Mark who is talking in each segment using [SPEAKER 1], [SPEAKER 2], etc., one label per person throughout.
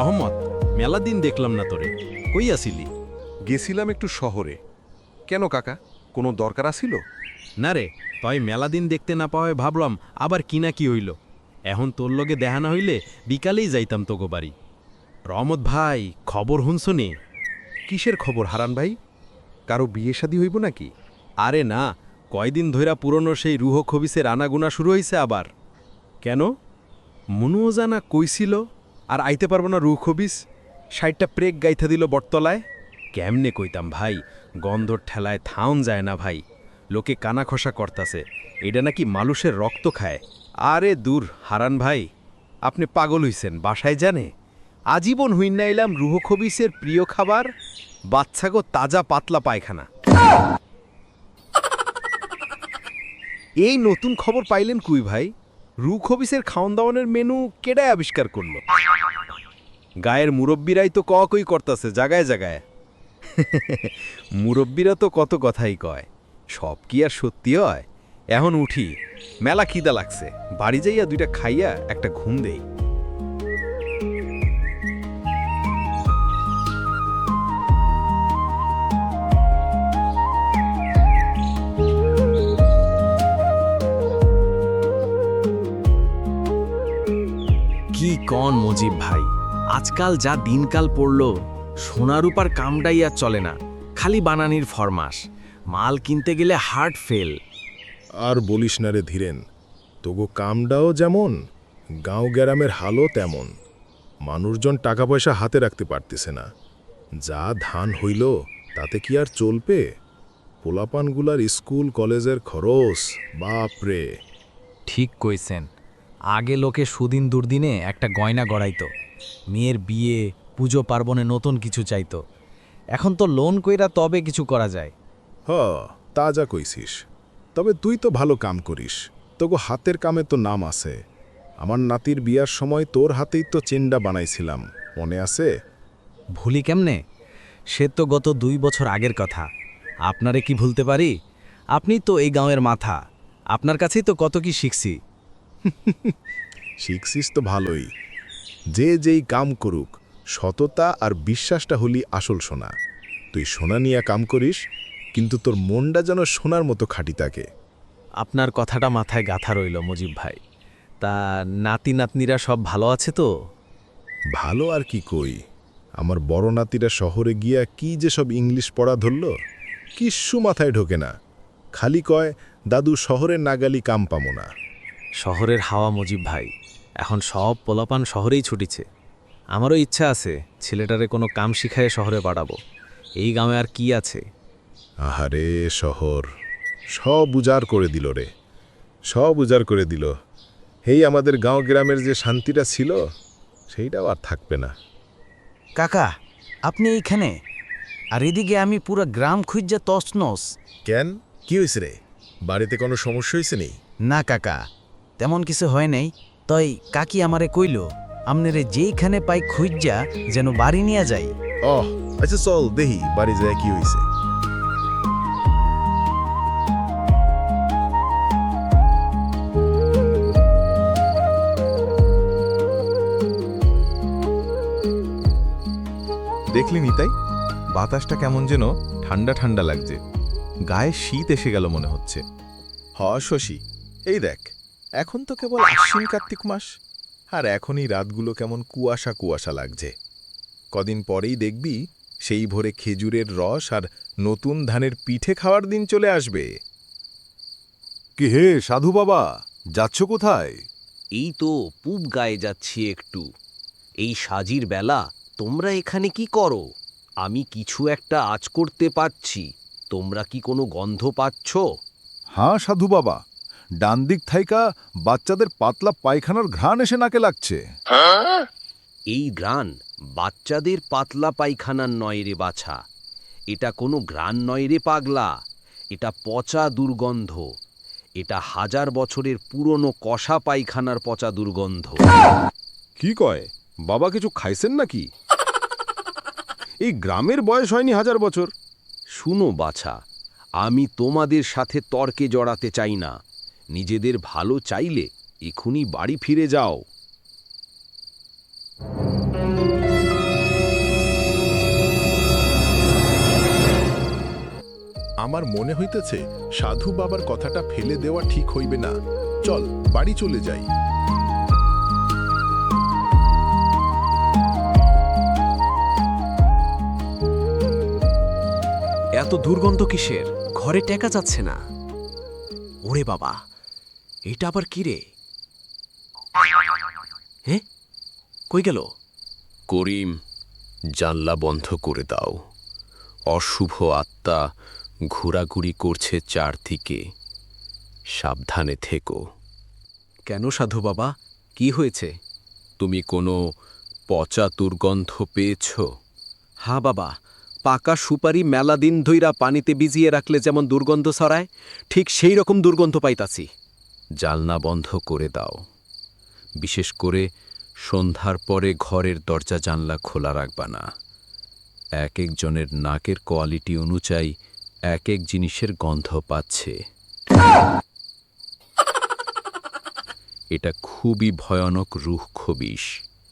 [SPEAKER 1] রহমত, মেলা দিন দেখলাম না তোরে, কই আসিলি?
[SPEAKER 2] গেছিলাম একটু শহরে। কেন কাকা, কোনো দরকার আছিল?
[SPEAKER 1] না রে, তয় মেলা দিন দেখতে না পাওয়ায় ভাবলাম আবার কিনা কি হইল। এখন তোর লগে দেখা না হইলে বিকালেই যাইতাম তোগো বাড়ি। রহমত ভাই, খবর হুনছনি?
[SPEAKER 2] কিসের খবর হারান ভাই? কারো বিয়ে শাদী হইব নাকি?
[SPEAKER 1] আরে না, কয়দিন ধইরা পুরনো সেই রুহ খবিসের আনাগুনা শুরু হইছে আবার। কেন? মনুও জানা কইছিল আর আইতে পারবো না রুহ খবিস, 60টা প্রেক গাইথা দিল বটতলায়। কেমনে কইতাম ভাই, গন্ধর ঠেলায় থাউন যায় না ভাই। লোকে কানা খসা করতাছে, এটা নাকি মানুষের রক্ত খায়। আরে দূর হারান ভাই, আপনি পাগল হইছেন, বাসায় জানে? আজীবন হুইন্না এলাম রুহ খবিসের প্রিয় খাবার বাচ্চাগো তাজা পাতলা পায়খানা। এই নতুন খবর পাইলেন কুই ভাই? রু খবিসের খাওন দাওয়ানের মেনু কেডায় আবিষ্কার করল? গায়ের মুরব্বীরাই তো কই করতাছে জাগায় জাগায়। মুরব্বীরা তো কত কথাই কয়, সব কি আর সত্যি হয়? এখন উঠি, মেলা খিদা লাগছে, বাড়ি যাইয়া 2টা খাইয়া একটা ঘুম দেই।
[SPEAKER 3] কি কন মজিব ভাই, আজকাল যা দিনকাল পড়ল, সোনারূপার কামটাই আর চলে না, খালি বানানির ফরমাস। মাল কিনতে গেলে হার্ট ফেল।
[SPEAKER 4] আর বলিস না রে ধীরেন, তবু কামডাও যেমন, গাঁও গ্রামের হালও তেমন। মানুষজন টাকা পয়সা হাতে রাখতে পারতেছে না। যা ধান হইল তাতে কি আর চলবে? পোলাপানগুলার স্কুল কলেজের খরচ, বাপরে।
[SPEAKER 5] ঠিক কইছেন, আগে লোকে সুদিন দুর্দিনে একটা গয়না গড়াইতো, মেয়ের বিয়ে পুজো পার্বণে নতুন কিছু চাইতো। এখন তো লোন কইরা তবে কিছু করা যায়।
[SPEAKER 4] হ, তা যা কইছিস। তবে তুই তো ভালো কাম করিস, তোগো হাতের কামে তো নাম আছে। আমার নাতির বিয়ার সময় তোর হাতেই তো চেন্ডা বানাইছিলাম, মনে আছে?
[SPEAKER 5] ভুলি কেমনে? সে তো গত 2 বছর আগের কথা। আপনারে কি ভুলতে পারি? আপনি তো এই গাঁয়ের মাথা, আপনার কাছেই তো কত কি শিখছি।
[SPEAKER 4] শিখছিস তো ভালোই। যে যেই কাম করুক, সততা আর বিশ্বাসটা হলি আসল সোনা। তুই সোনা নিয়ে কাম করিস, কিন্তু তোর মনটা যেন সোনার মতো খাঁটি থাকে।
[SPEAKER 5] আপনার কথাটা মাথায় গাঁথা রইল মুজিব ভাই। তা নাতি নাতনিরা সব ভালো আছে তো?
[SPEAKER 4] ভালো আর কি কই, আমার বড় নাতিরা শহরে গিয়া কি যে সব ইংলিশ পড়া ধরল, কিচ্ছু মাথায় ঢোকে না। খালি কয়, দাদু শহরে না গেলি কাম পামো না।
[SPEAKER 5] শহরের হাওয়া মুজিব ভাই, এখন সব পোলাপান শহরেই ছুটিছে। আমারও ইচ্ছা আছে ছেলেটারে কোনো কাম শিখায়ে শহরে পাঠাবো। এই গ্রামে আর কি আছে?
[SPEAKER 4] আহারে শহর সব উজাড় করে দিল রে, সব উজাড় করে দিল। হেই আমাদের গাঁও গ্রামের যে শান্তিটা ছিল, সেইটাও আর থাকবে না।
[SPEAKER 6] কাকা, আপনি এইখানে? আর এদিকে আমি পুরো গ্রাম খুঁজা তছনছ।
[SPEAKER 4] কেন, কি হয়েছে রে? বাড়িতে কোনো সমস্যা হয়েছে নেই?
[SPEAKER 6] না কাকা, তেমন কিছু হয় নাই। তই কাকি আমারে কইল, আমনেরে যেইখানে পাই খুঁজা যেন বাড়ি নিয়ে যাই।
[SPEAKER 4] অহ, আচ্ছা চল দেহি বাড়ি যায় কি হয়েছে।
[SPEAKER 7] দেখলি নিতাই, বাতাসটা কেমন যেন ঠান্ডা ঠান্ডা লাগছে, গায়ে শীত এসে গেল মনে হচ্ছে।
[SPEAKER 4] হ শশী, এই দেখ, এখন তো কেবল আশ্বিন কার্তিক মাস, আর এখনই রাতগুলো কেমন কুয়াশা কুয়াশা লাগছে। কদিন পরেই দেখবি সেই ভোরে খেজুরের রস আর নতুন ধানের পিঠে খাওয়ার দিন চলে আসবে।
[SPEAKER 8] কি হে সাধু বাবা, যাচ্ছ কোথায়?
[SPEAKER 3] এই তো পূব গায়ে যাচ্ছি একটু। এই সাজির বেলা তোমরা এখানে কি করো? আমি কিছু একটা আঁচ করতে পাচ্ছি, তোমরা কি কোনো গন্ধ পাচ্ছ?
[SPEAKER 8] হ্যাঁ সাধু বাবা, ডান দিক থাইকা বাচ্চাদের পাতলা পায়খানার ঘ্রাণ এসে নাকে লাগছে।
[SPEAKER 3] এই ঘ্রাণ বাচ্চাদের পাতলা পায়খানার নয় রে বাছা, এটা কোনো ঘ্রাণ নয় রে পাগলা, এটা পচা দুর্গন্ধ। এটা 1000 বছরের পুরনো কষা পায়খানার পচা দুর্গন্ধ।
[SPEAKER 8] কি কয় বাবা, কিছু খাইছেন নাকি? এই গ্রামের বয়স হয়নি 1000 বছর।
[SPEAKER 3] শুনো বাছা, আমি তোমাদের সাথে তর্কে জড়াতে চাই না। নিজেদের ভালো চাইলে এখুনি বাড়ি ফিরে যাও।
[SPEAKER 4] আমার মনে হইতেছে সাধু বাবার কথাটা ফেলে দেওয়া ঠিক হইবে না। চল বাড়ি চলে যাই।
[SPEAKER 9] এত দুর্গন্ধ কিসের? ঘরে টেকা যাচ্ছে না। ওরে বাবা, এটা আবার কি রে? হ্যাঁ, কই গেল?
[SPEAKER 3] করিম, জানলা বন্ধ করে দাও। অশুভ আত্মা ঘোরাঘুরি করছে চারদিকে, সাবধানে থেকো।
[SPEAKER 9] কেন সাধু বাবা, কি হয়েছে?
[SPEAKER 3] তুমি কোনো পচা দুর্গন্ধ পেয়েছ?
[SPEAKER 9] হ্যাঁ বাবা, পাকা সুপারি মেলা দিন ধইরা পানিতে ভিজিয়ে রাখলে যেমন দুর্গন্ধ ছড়ায়, ঠিক সেই রকম দুর্গন্ধ পাইতাছি।
[SPEAKER 3] জানলা বন্ধ করে দাও। বিশেষ করে সন্ধ্যার পরে ঘরের দরজা জানলা খোলা রাখবা না। এক একজনের নাকের কোয়ালিটি অনুযায়ী এক এক জিনিসের গন্ধ পাচ্ছে। এটা খুবই ভয়ানক রুক্ষ বিষ।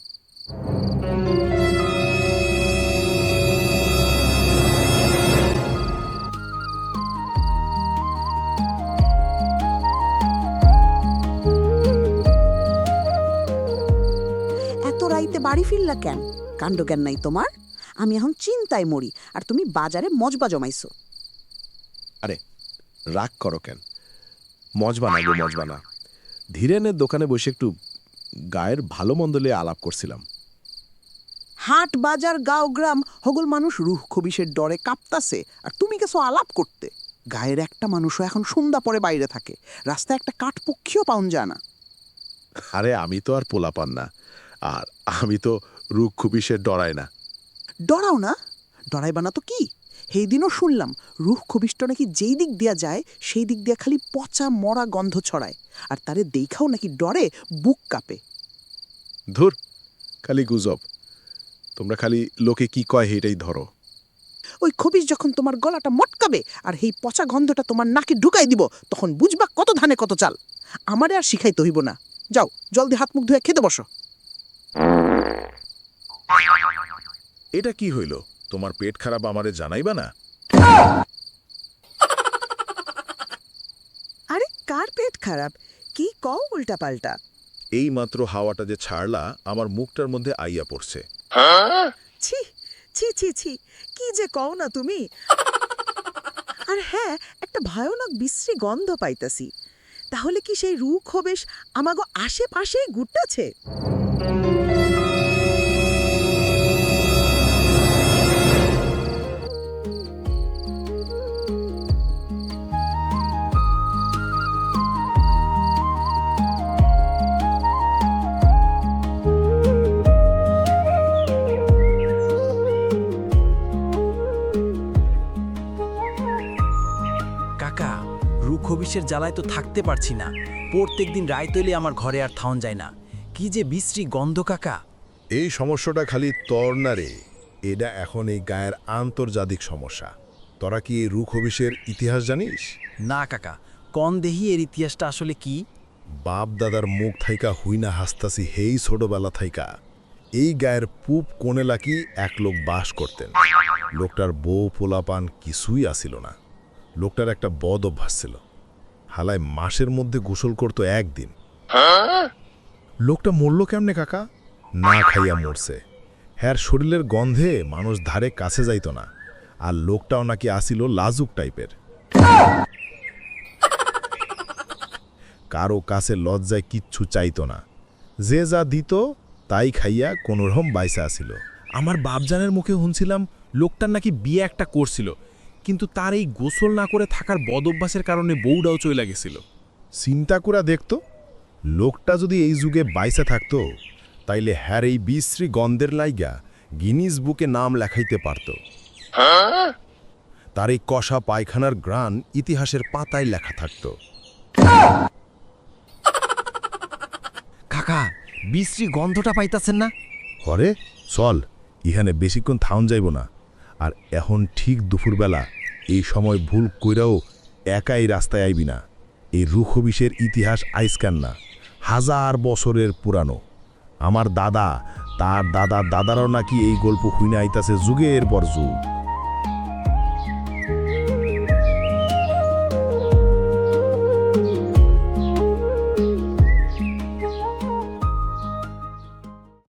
[SPEAKER 10] এত রাইতে বাড়ি ফিরলা কেন? কাণ্ডজ্ঞান নাই তোমার? আমি এখন চিন্তায় মরি, আর তুমি বাজারে মজবা জমাইছো।
[SPEAKER 11] আরে রাগ করো কেন? মজবানা গো মজবানা। ধীরেনের দোকানে বসে একটু গায়ের ভালো মন্দ লিয়ে আলাপ করছিলাম।
[SPEAKER 10] হাট বাজার গাঁও গ্রাম হগল মানুষ রুহ খবিসের ডরে কাঁপতাছে, আর তুমি গেছো আলাপ করতে। গায়ের একটা মানুষও এখন সন্ধ্যা পরে বাইরে থাকে, রাস্তায় একটা কাঠপক্ষীও পাউন যায় না।
[SPEAKER 11] আরে আমি তো আর পোলাপান না, আর আমি তো রুখ খুবিসের ডরাই না।
[SPEAKER 10] ডরাও না? ডরাইবা না তো কি? সেই দিনও শুনলাম রুহ খবিষ্ট নাকি যেই দিক দিয়া যায় সেই দিক দিয়া খালি পচা মরা গন্ধ ছড়ায়, আর তারে দেখাও নাকি ডরে বুক কাঁপে।
[SPEAKER 11] ধুর, খালি গুজব। তোমরা খালি লোকে কি কয় সেইটাই ধরো।
[SPEAKER 10] ওই খবিস যখন তোমার গলাটা মটকাবে আর এই পচা গন্ধটা তোমার নাকে ঢুকাই দিব, তখন বুঝবা কত ধানে কত চাল। আমারে আর শিখাইতে হইব না। যাও জলদি হাত মুখ ধুয়ে খেতে বসো।
[SPEAKER 4] এটা কি হইল? তোমার পেট খারাপ আমারে জানাইবা না?
[SPEAKER 10] আরে কার পেট খারাপ? কি কও উল্টা পাল্টা?
[SPEAKER 4] এই মাত্র হাওয়াটা যে ছাড়লা আমার মুখটার মধ্যে আইয়া পড়ছে।
[SPEAKER 10] ছি ছি ছি ছি, কি যে কও না তুমি। আর হ্যাঁ, একটা ভয়ানক বিশ্রী গন্ধ পাইতাছি। তাহলে কি সেই রুখ হবেশ আমাগো আশেপাশেই ঘুরতেছে?
[SPEAKER 6] কাকা, রুখ হবিষের জ্বালায় তো থাকতে পারছি না। প্রত্যেক দিন রায় তৈলে আমার ঘরে আর থাউন যায় না। কি যে বিশ্রী গন্ধ কাকা।
[SPEAKER 4] এই সমস্যাটা খালি তর না রে, এটা এখন এই গায়ের আন্তর্জাতিক সমস্যা। তোরা কি এই রুখ হবিষের ইতিহাস জানিস?
[SPEAKER 6] না কাকা, কন দেহি এর ইতিহাসটা আসলে কি?
[SPEAKER 4] বাপ দাদার মুখ থাইকা হুইনা হাসতাসি হেই ছোটবেলা থাইকা এই গায়ের পূব কোণে লাকি এক লোক বাস করতেন। লোকটার বউ পোলাপান কিছুই আসিল না। লোকটার একটা বদ অভ্যাস ছিল, হালায় মাসের মধ্যে গোসল করতো একদিন। লোকটা মরল কেমনে কাকা? না খাইয়া মরছে। হ্যার শরীরের গন্ধে মানুষ ধারে কাছে যাইত না। আর লোকটাও নাকি আসিল লাজুক টাইপের। কারো কাছে লজ্জায় কিচ্ছু চাইতো না। যে যা দিত তাই খাইয়া কোনোরকম বাইসা আসিল।
[SPEAKER 5] আমার বাপজানের মুখে শুনছিলাম লোকটার নাকি বিয়ে একটা করছিল, কিন্তু তার এই গোসল না করে থাকার বদ অভ্যাসের কারণে বউটাও চলে গেছিল।
[SPEAKER 4] চিন্তা করে দেখতো, লোকটা যদি এই যুগে বাইসা থাকতো তাইলে হ্যার এই বিশ্রী গন্ধের লাইগা গিনিস বুকে নাম লেখাইতে পারত। তার এই কষা পায়খানার গ্রান ইতিহাসের পাতায় লেখা থাকত।
[SPEAKER 5] কাকা, বিশ্রী গন্ধটা পাইতাছেন না?
[SPEAKER 4] হরে চল, ইহানে বেশিক্ষণ থাউন যাইব না। আর এখন ঠিক দুপুরবেলা এই সময় ভুল কইরাও একাই রাস্তায় আইবি না। এই রুখবিষের ইতিহাস আইসকান না, 1000 বছরের পুরানো। আমার দাদা, তার দাদা দাদারাও নাকি এই গল্প হুইনা আইতাছে যুগের পর যুগ।